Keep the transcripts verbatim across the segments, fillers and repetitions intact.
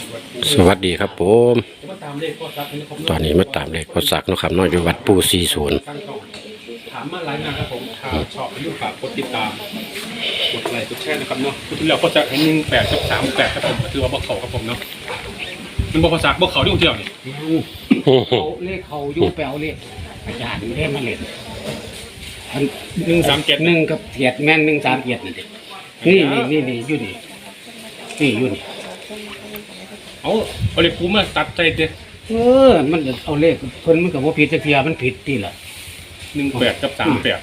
สวัสดีครับผมตอนนี้มาตามเลขพอสักนะครับน้อยอยู่วัดปูสี่ศูนย์ถามมาหลายงานครับผมข่าวชอบอายุฝากกดติดตามกดไลค์กดแชร์นะครับเนาะคุณเราก็จะเห็นหนึ่งแปดกับสามแปดครับผมถือว่าบ่เขาครับผมเนาะมันบ่ภาษาบ่เขาที่คนเดียวนี่เขาเลขเขาอยู่ไปเอาเลขอาจารย์เล่นมาเล่นหนึ่งสามเจ็ดหนึ่งกับเทียดแม่นหนึ่งสามเทียดนี่นี่นี่นี่อยู่นี่นี่อยู่นี่เอาเอาเลขปูมาตัดใจเด้อเออมันเอาเลขเพิ่นมันก็บ่ผิดจักเทียมันผิดที่ล่ะหนึ่งแปดกับสามแปด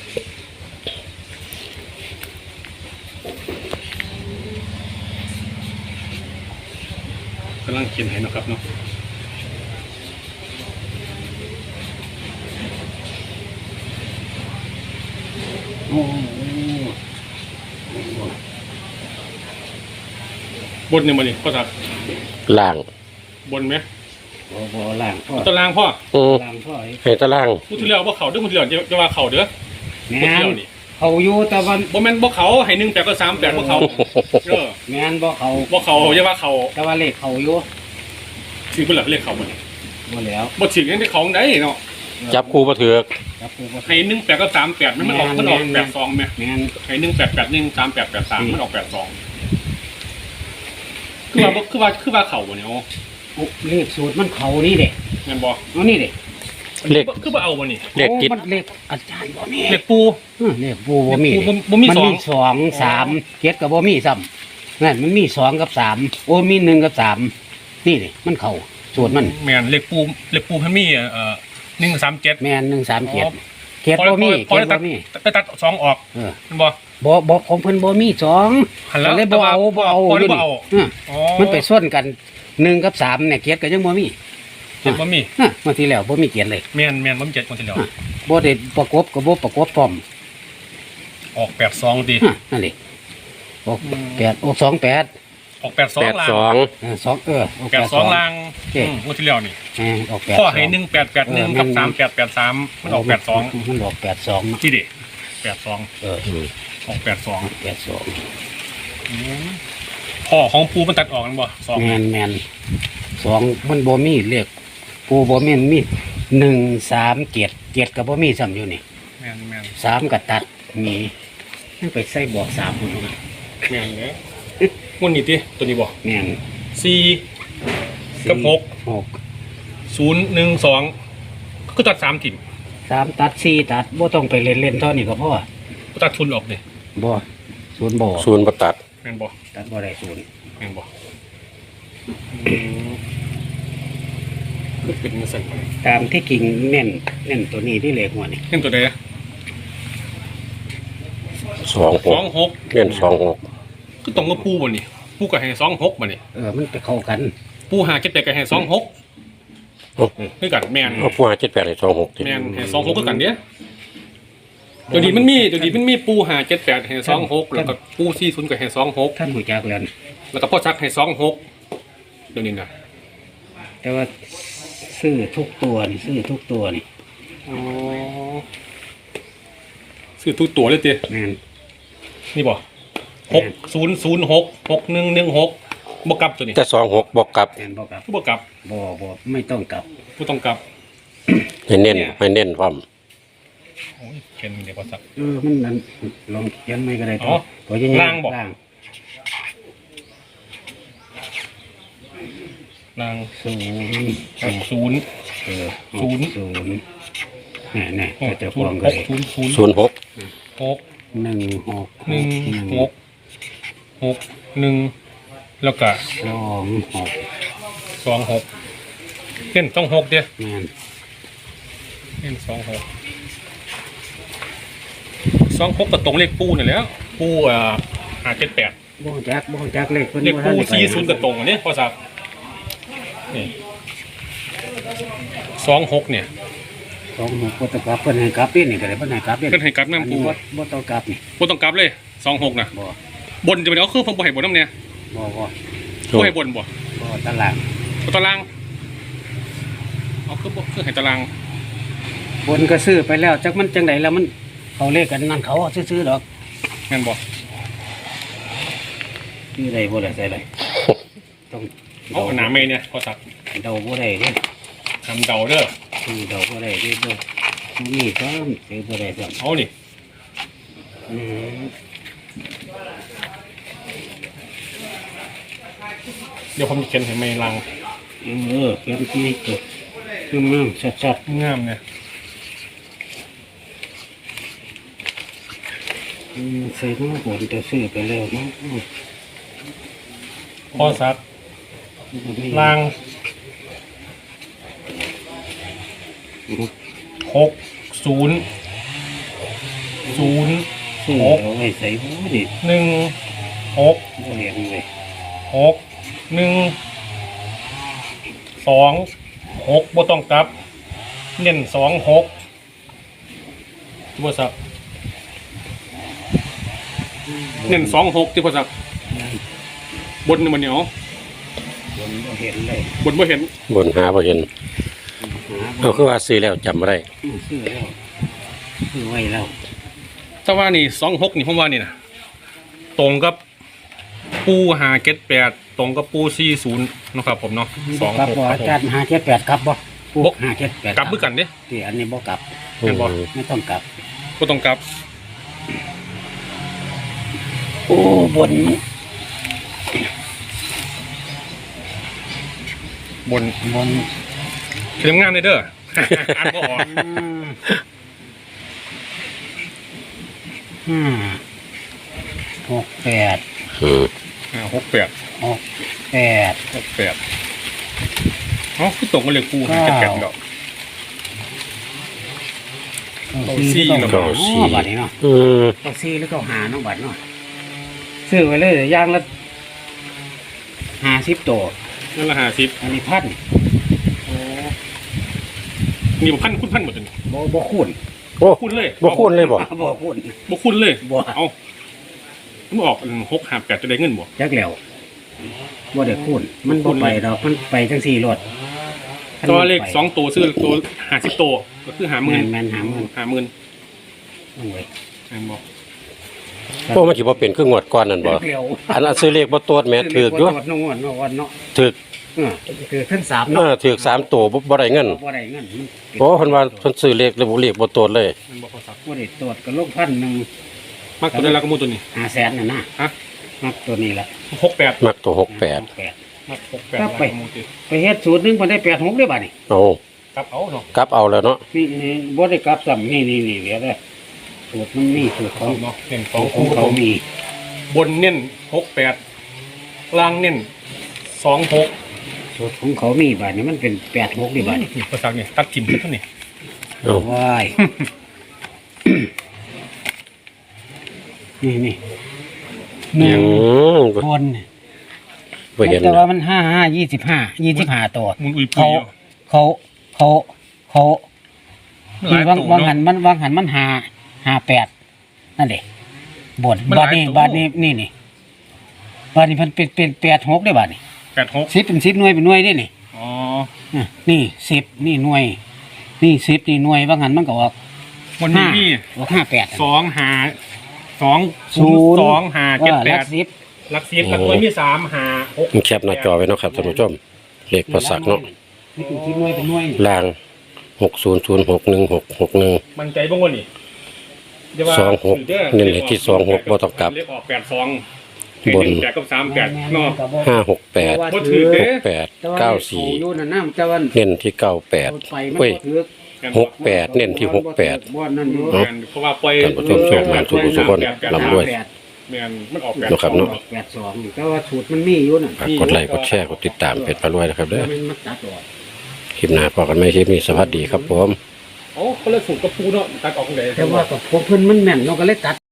กำลังเขียนให้นะครับเนาะโอ้บนเนี่ยมันนี่พ่อสักล่างบนไหมบ่บ่ล่างพ่อตารางพ่อล่างพ่อให้ตารางพูดถึงแล้วว่าเขาเด้อพูดถึงแล้วจะว่าเขาเด้อแม่นเขาอยู่แต่วันบ่แม่นบ่เขาให้หนึ่งแปดก็สามแปดบ่เขาเออแม่นบ่เขาบ่เขาจะว่าเขาแต่ว่าเลขเขาอยู่ชื่อเพิ่นล่ะเลขเขาบ่บ่แล้วบ่ถึงยังได้ของได้เนาะจับคู่บ่ถือจับคู่บ่ให้หนึ่งแปดก็สามแปดมันมันออกมันออกแปดสองแม่แม่นให้หนึ่งแปดแปดหนึ่งสามแปดแปดสามมันออกแปดสองคือว่าคือว่าคือว่าเขาบ่เนี่ยโอ้เลขสูตรมันเขานี่เด้แม่นบ่เอานี่เด้เลขคือว่าเอาบ่นี่เลขติดมันเลขอาจารย์บ่มีเลขปูเลขปูบ่มีบ่มีสองมันมีสอง สามเจ็ดก็บ่มีซ้ำนั่นมันมีสองกับสามโอ้มีหนึ่งกับสามนี่เด้มันเข้าสูตรมันแม่นเลขปูเลขปูเพิ่นมีเอ่อหนึ่งสามเจ็ดแม่นหนึ่งสามเจ็ดเจ็ดบ่มีเจ็ดบ่มีไปตัดสองออกเออมันบ่บ่บ่ของเพิ่นบ่มีสองก็เลยบ่เอาบ่เอาอยู่นี่มันไปส่วนกันหนึ่งกับสามเนี่ยเจ็ดก็ยังบ่มีเจ็ดบ่มีฮะเมื่อที่แล้วบ่มีเจ็ดเลยแม่นแม่นบ่มีเจ็ดคนที่แล้วบ่ได้ประกบก็บ่ประกบพร้อมออกแปดสองตินั่นแหละออกแปดออกสองแปดออกแปดสองล่างสองเออสองเออแปดสองล่างอืมคนที่แล้วนี่เออออกแปดข้อให้หนึ่งแปดแปดหนึ่งกับสามแปดแปดสามมันออกแปดสองมันออกแปดสองที่ดิแปดสองเออออกแปดสองแปดสองพ่อของปูมันตัดออกกันบ่สองแมนแมนสองมันบ่มีเลขปูบ่มีมีหนึ่งสามเจ็ดเจ็ดกับบ่มีซ้ำอยู่นี่แมนแมนสามกับตัดมีไปใส่บอกสามคนนั้นแมนเลยมันนี่ติตัวนี้บ่แมนสี่กับหกหกศูนย์หนึ่งสองก็ตัดสามถิ่นสามตัดสี่ตัดบ่ต้องไปเล่นเล่นเท่านี้ก็พอก็ตัดทุนออกเลยบ่ศูนย์บ่ศูนย์บ่ตัดแมนบ่ตัดบ่ได้ศูนย์แมนบ่ก็เป็นสั่นตามที่กิ่งเน้นเน้นตัวนี้ที่เลขหัวนี่เน้นตัวใดอะสองหกสองหกเน้นสองหกก็ต้องมาปูบ่นี่ปูกับแห่สองหกบ่นี่เออมันไปเข้ากันปูหาเจ็ดแปดกับแห่สองหกคือกันแมนเอาปูหาเจ็ดแปดให้สองหกแมนแห่สองหกคือกันเนี้ยเดี๋ยวนี้มันมีเดี๋ยวนี้มันมีปูหาเจ็ดแปดแห่สองหกแล้วก็ปูสี่ศูนย์กับแห่สองหกท่านหัวจักแล้วแล้วก็พ่อชักแห่สองหกเดี๋ยวนี้นะแต่ว่าซื้อทุกตัวนี่ซื้อทุกตัวนี่อ๋อซื้อทุกตัวเลยเตี้ยนี่บ่หกศูนย์ศูนย์หกหกหนึ่งหนึ่งหกบวกกลับตัวนี้แต่สองหกบวกกลับบ่กลับบวกกลับบ่บ่ไม่ต้องกลับไม่ต้องกลับให้เน้นให้เน้นความโอ้ยเขียนเดี๋ยวก่อนสักเออมันนั่นลองเขียนไม่ก็ได้ตัวตัวยังไงล่างบอกล่างศูนย์ศูนย์เออศูนย์ศูนย์นี่นี่จะฟองกันศูนย์ศูนย์ศูนย์หกหกหนึ่งหกหนึ่งหกหกหนึ่งแล้วก็สองหกสองหกเห็นสองหกเดียวเห็นสองหกสองหกกับตรงเลขปูนี่แหละปูอ่าหาเจ็ดแปดบ่จักบ่จักเลขเลขปูสี่ศูนย์กับตรงอันนี้พอสับนี่สองหกเนี่ยสองหกบ่ต้องกลับเพิ่นให้กลับนี่นี่ก็ได้เพิ่นให้กลับนี่เพิ่นให้กลับน้ำปูบ่ต้องกลับนี่บ่ต้องกลับเลยสองหกนะบ่บนจะเป็นเอาคือผมบ่ให้บนน้ำเนี่ยบ่บ่บ่ให้บนบ่บ่ตารางบ่ตารางเอาคือบ่คือให้ตารางบนก็ซื้อไปแล้วจักมันจังไดแล้วมันเขาเลขกันนั่นเขาซื้อๆดอกแม่นบ่นี่ได้บ่ได้ใส่เลยต้องเอาหนาเมย์เนี่ยพอสักเดาบ่ได้เด้อทำเดาเด้อคือเดาบ่ได้เด้อเด้อนี่ก็ซื้อบ่ได้ซ้ำเอานี่อืมเดี๋ยวผมจะเขียนให้เมย์ลังเออเขียนที่ตัวคืองามชัดงามเนี่ยๆอืมใส่น้ำฝนจะซื้อไปแล้วเนาะอืมพอสักลางหกศูนย์ศูนย์ซื้อเอาไว้ใส่หูดิหนึ่งหกบ่เห็นเลยหกหนึ่งสองหกบ่ต้องกลับ เน้นสองหกที่พอสักเน้นสองหกที่พอสักบนนี่มันเหนียวบนบ่เห็นเลยบนบ่เห็นบนหาบ่เห็นหาบ่เอาคือว่าซื้อแล้วจำบ่ได้อืมซื้อแล้วซื้อไว้แล้วถ้าว่านี่สองหกนี่ผมว่านี่นะตรงกับปูหาเก็ตแปดตรงกับปูสี่ศูนย์นะครับผมเนาะสองกลับหกบ่ครับอาผมจารย์ห้าเจ็ดแปดกลับบ่พวกห้าเจ็ดแปดกลับมือกันเด้ที่อันนี้บ่กลับเห็นบ่อืมไม่ต้องกลับก็ต้องกลับโอ้บนบนบนเขียนงานเลยเด้อ อ่านบ่ออกห้าหกแปดอืมอ่าหกแปดหกแปดหกแปดเอ๋อคือตรงกันเลยปูหาเก็ตแปดเนาะเก้าสี่หรือเก้าหาอ๋อบัดนี้เนาะอืมเก้าสี่หรือเก้าหาเนาะบัดเนาะซื้อไว้เลยอย่างละห้าสิบตัวนั่นละห้าสิบอันนี้พันมีบ่พันคุณพันหมดเลยบ่บ่คูณโอ้คุณเลยบ่คุ้นเลยบ่บ่คูณบ่คุณเลยบ่เอามันออกหกห้าแปดจะได้เงินบ่จักแล้วบ่ได้คูณมันบ่ไปดอกมันไปจังสี่รถตัวเลขสองตัวซื้อตัวห้าสิบตัวก็คือหาหมื่นแม่นๆหาหมื่นหาหมื่นโอ้ยแม่นบ่พวกมันสิบ่เป็นคืองวดก่อนนั่นบ่เร็วอันนั้นซื้อเลขบ่ตรวจแม่ถูกอยู่ตรวจนงวดเนาะวันเนาะถูกเออคือทั้งสามเอเนาะอถูกสามตัวบ่บ่ได้เงินบ่ได้เงินมันเป็นโอ้เพิ่นว่าเพิ่นซื้อเลขแล้วบ่เลขบ่ตรวจเลยแม่นบ่พอสักบ่ได้ตรวจก็ลงพันหนึ่งมากตัวได้แล้วก็มูตัวนี้ห้าแสนน่ะนะฮะนับตัวนี้ละหกแปดมักตัวหกแปดแปดมากหกแปดครับไปแล้วก็มูตัวไปเฮ็ดสูตรหนึงเพิ่นได้แปดหกได้บ่นี่เอากลับเอาเนาะกลับเอาแล้วเนาะนี่นี่บ่ได้กลับซ้ำนี่นี่นี่เหลือได้สูตรมันมีสูตรของเนาะเน้นสขออง งคู่เขามีบนเน้นหกแปดล่างเน้นสองหกสูตรของเขามีบ่นี่มันเป็นแปดหกได้บ่นี่นี่ภาษาเนี่ยตัดถิ่มแค่เท่านี้เอาว้าย นี่นี่หนึ่งอืมคนบ่เห็นแต่ว่ามันห้าห้ายี่สิบห้ายี่สิบห้าตัวมุนอุยปุยเขา เขาเขาเขาหลายวางตัววางหัเนาะนมันวางหันมันหาหาแปดนั่นเด็บทมันหบาลาทยนี้ตัวบาทนี้นี่นี่บาทนี้มันเป็นเป็นแปดหกได้บาทนี้แปดหกสิบเป็นสิบหน่วยเป็นหน่วยได้นี่อ๋ออ่ะนี่สิบนี่หน่วย นี่สิบนี่หน่วยวางหันมันก็ออกวันนี้ห้ามีออกห้าแปดสองหาสองศูศูนนย์ย์สองหาเจ็ดแปลัดกสิบหลักสิบหลักตัวมีสามหาหกแคปหน้าจอไว้เนาะครับท่านผู้ชมเลขพอสักเนาะนี่เป็นสิบหน่วยเป็นหน่วยนี่ล่างหกศูนย์ศูนย์หกหนึ่งหกหกหนึ่งมันใจบ้างวะนี่อย่าว่าสองหกด้อนี่แหละที่สองหกบ่ต้องกลับเลขออกแปดสองบนแปดกับสามแปดเนาะห้าหกแปดบ่ถือเด้หกแปดเก้าสี่แต่ว่อยู่นั่นน่ะแต่ว่าเน้นที่เก้าแปดไปมันเว้ยบ่ถือหกแปดเน้นที่หกแปดบ่นั่นอยู่เนาะเพราะว่าปล่อยท่านผู้ชมโชคดีทุกผู้ทุกคนร่ำรวยแปดแม่นมันออกแปดเนาะครับเนาะแปดสองนี่แต่ว่าสูตรมันมีอยู่นั่นฝากกดไลค์กดแชร์กดติดตามเพจพารวยนะครับเด้อมันมาตัดออกคลิปหน้าพอกันไหมคลิปนี้สวัสดีครับผมโอ้คนละสูตรกับปูเนาะตัดออกเลยแต่ว่ากับพวกเพิ่นมันแม่นเราก็เลยตัด